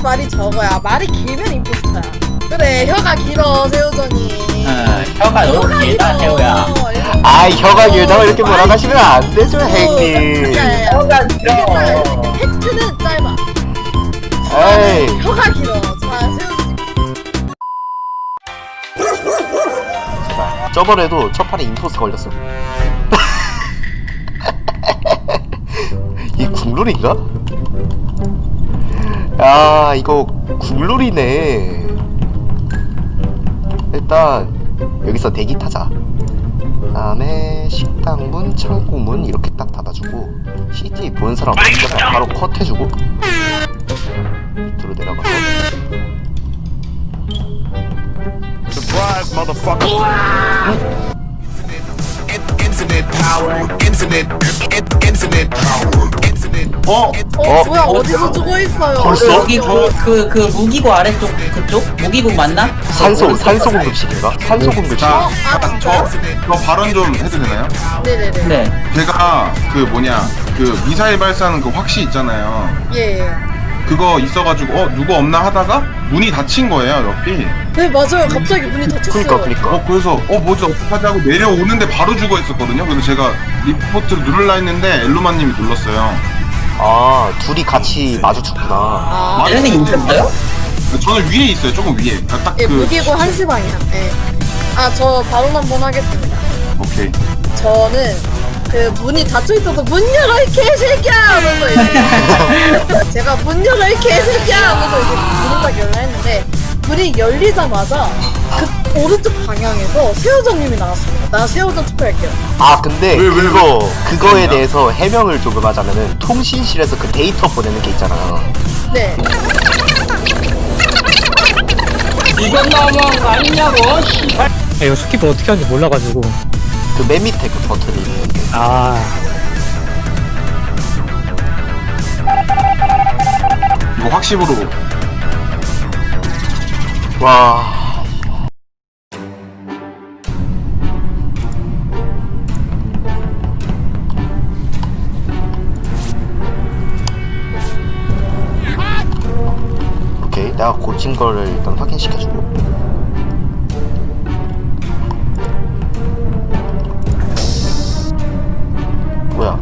말이 적어야 말이 길면 임포스터야. 그래 혀가 길어 새우전이. 혀가 너무 길다 태호야. 아 혀가 길다고 이렇게 몰아가시면 안 되죠 형님. 혀가 길어. 팩트는 짧아. 에이 혀가 길어. 자 새우전. 제발 저번에도 첫 판에 임포스 걸렸어. 이 국룰인가? 야 이거 국룰이네. 일단 여기서 대기 타자. 다음에 식당 문, 창고 문 이렇게 딱 닫아주고 CCTV 보는 사람 바로 컷해주고 밑으로 내려가서 Surprise, motherfucker. Infinite power. Infinite power. Infinite. 뭐야 어디서 죽어 있어요? 벌써? 여기 그 무기고 아래쪽 그쪽? 무기고 맞나? 산소 공급실인가? 산소 공급실. 자, 진짜요? 저 발언 좀 해도 되나요? 네네네. 네. 제가 그 뭐냐 그 미사일 발사하는 그 확시 있잖아요. 예. 그거 있어가지고 누구 없나 하다가 문이 닫힌 거예요 옆이. 네 맞아요. 갑자기 문이 닫혔어요. 그니까 그래서 뭐지 어떡하지 하고 내려오는데 바로 죽어 있었거든요. 그래서 제가 리포트를 누르려 했는데 엘루마님이 눌렀어요. 아 둘이 같이 마주쳤구나. 아, 얘네 있었어요? 저는 위에 있어요. 조금 위에. 그러니까 딱 예, 그. 무기고 한시 방향. 예. 아, 저 발언 한번 하겠습니다. 오케이. 저는 그 문이 닫혀 있어서 문 열어 이 개새끼야 하면서 이제 제가 문 열어 이 개새끼야 하면서 이제 문을 딱 열라 했는데 문이 열리자마자 그 오른쪽 방향에서 새우전님이 나왔습니다. 나 새우전 투표할게요. 아 근데 왜? 그거에 대해서 해명을 조금 하자면은 통신실에서 그 데이터 보내는 게 있잖아요. 네. 이건 너무한 거 아니냐고 씨발. 이거 스킵 어떻게 하는지 몰라가지고. 그 맨 밑에 그 버튼이 있는데. 아, 이거 확실으로. 와. 오케이, 내가 고친 거를 일단 확인시켜주고. 뭐야?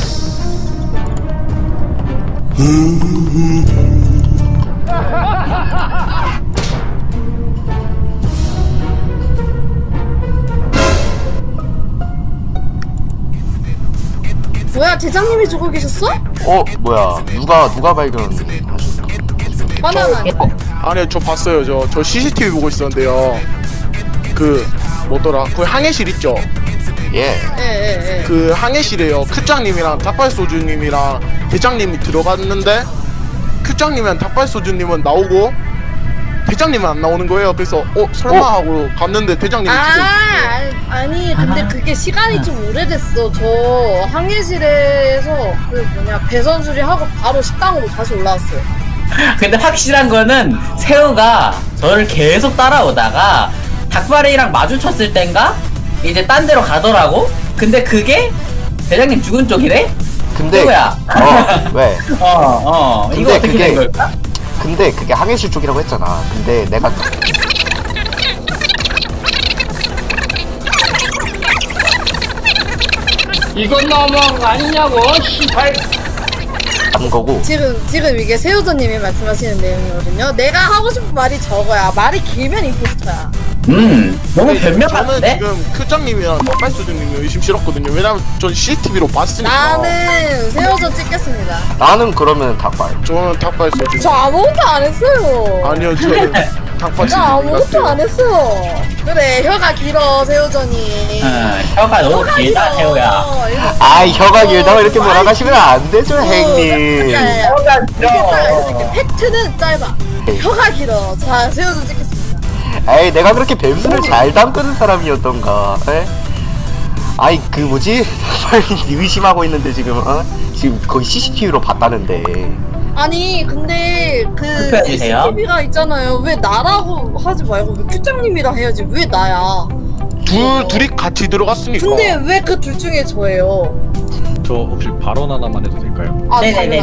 뭐야 대장님이 죽어 계셨어? 뭐야? 누가 발견하셨나? 바나나 아니야? 아니요 저 봤어요 저 CCTV 보고 있었는데요 그 뭐더라 그 항해실 있죠 예. 예. 그 항해실에요 큐장님이랑 닭발소주님이랑 대장님이 들어갔는데 큐장님이랑 닭발소주님은 나오고 대장님은 안 나오는 거예요 그래서 설마 하고 갔는데 대장님이 아니 근데 그게 시간이 좀 오래됐어. 저 항해실에서 그 뭐냐 배선 수리하고 바로 식당으로 다시 올라왔어요. 근데 확실한 거는 새우가 저를 계속 따라오다가 닭발이랑 마주쳤을 땐가 이제 딴 데로 가더라고. 근데 그게 대장님 죽은 쪽이래? 근데 새우야. 왜? 이거 근데 어떻게 그게- 된 걸까? 근데 그게 항해실 쪽이라고 했잖아. 근데 내가 이건 너무한 거 아니냐고 씨발. 한 거고. 지금 이게 새우전님이 말씀하시는 내용이거든요. 내가 하고 싶은 말이 적어야 말이 길면 임포스터야. 너무 변명 저는 같은데? 지금 큐장님이랑 닭발소주님이 의심스럽거든요 왜냐면 전 CCTV로 봤으니까 나는 새우전 찍겠습니다. 나는 그러면 닭발. 저는 닭발소주 저 아무것도 안 했어요. 아니요 저는 닭발소주 나 아무것도 안 했어. 그래 혀가 길어 새우전이. 혀가 너무 길다 새우야. 아 혀가 길다고 이렇게 몰아가시면 안 되죠 형님. 혀가 길어. 팩트는 짧아. 혀가 길어. 자 새우전 찍겠습니다. 에이 내가 그렇게 뱀수를 잘 담그는 사람이었던가. 에? 아이 그 뭐지? 의심하고 있는데 지금 지금 거의 CCTV로 봤다는데. 아니 근데 그 투표해주세요. CCTV가 있잖아요. 왜 나라고 하지 말고 왜 큐장님이라 해야지 왜 나야? 둘이 같이 들어갔으니까 근데 왜 그 둘 중에 저예요? 저 혹시 발언 하나만 해도 될까요? 아 네네네네. 당연하죠.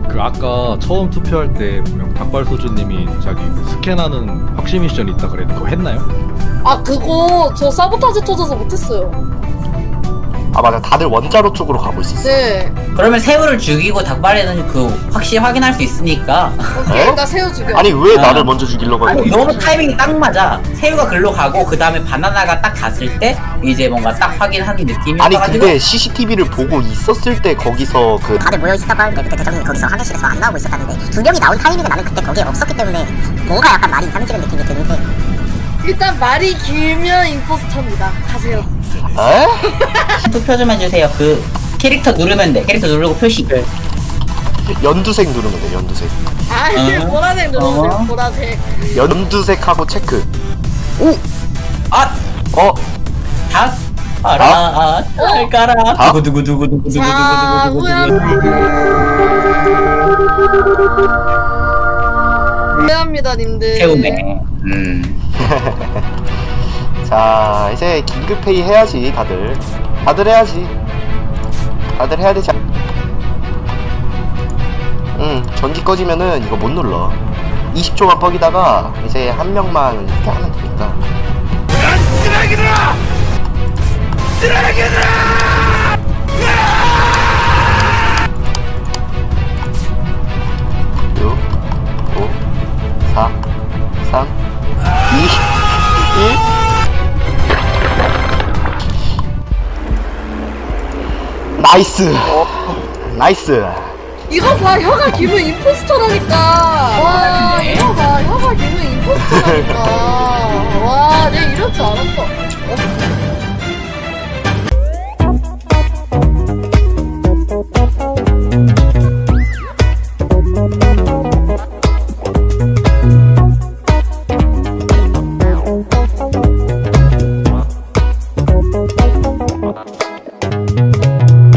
그 아까 처음 투표할 때 분명 닭발소주님이 자기 스캔하는 확신 미션이 있다 그랬는데 그거 했나요? 아 그거 저 사보타지 터져서 못했어요. 아 맞아, 다들 원자로 쪽으로 가고 있었어. 네. 그러면 새우를 죽이고 닭발에는 그 확실히 확인할 수 있으니까. 오케이 에? 일단 새우 죽여. 아니 왜 아. 나를 먼저 죽이려고 아니 하는 너무 타이밍이 딱 맞아. 새우가 글로 가고 그 다음에 바나나가 딱 갔을 때 이제 뭔가 딱 확인하는 느낌이. 아니 근데 CCTV를 보고 있었을 때 거기서 그 다들 모여 있었다고 하는데 그때 대장님이 거기서 화장실에서 안 나오고 있었다는데 두 명이 나온 타이밍에 나는 그때 거기에 없었기 때문에 뭔가 약간 말이 이상해지는 느낌이 드는데 일단 말이 길면 임포스터입니다. 가세요. 에? 투표 좀 해주세요. 그 캐릭터 누르면 돼. 캐릭터 누르고 표시. 연두색 누르면 돼. 연두색. 아 이게 어? 보라색 누르면 돼요. 어? 보라색. 연두색하고 체크. 오! 아! 어? 닭! 알아, 깔깔아. 닭? 두구두구두구두구두구두구두구두구. 자 후야. 미안합니다 님들. 새우네. 자, 이제 긴급회의 해야지, 다들. 다들 해야지. 다들 해야 되지. 전기 꺼지면은 이거 못 눌러. 20초만 뻑이다가 이제 한 명만 이렇게 하면 되니까. 육, 5, 4, 3, 2, 1. 나이스. 나이스. 이거 봐 혀가 길면 임포스터라니까. 와 이거 봐 혀가 길면 임포스터라니까. 와 내가 이럴 줄 알았어.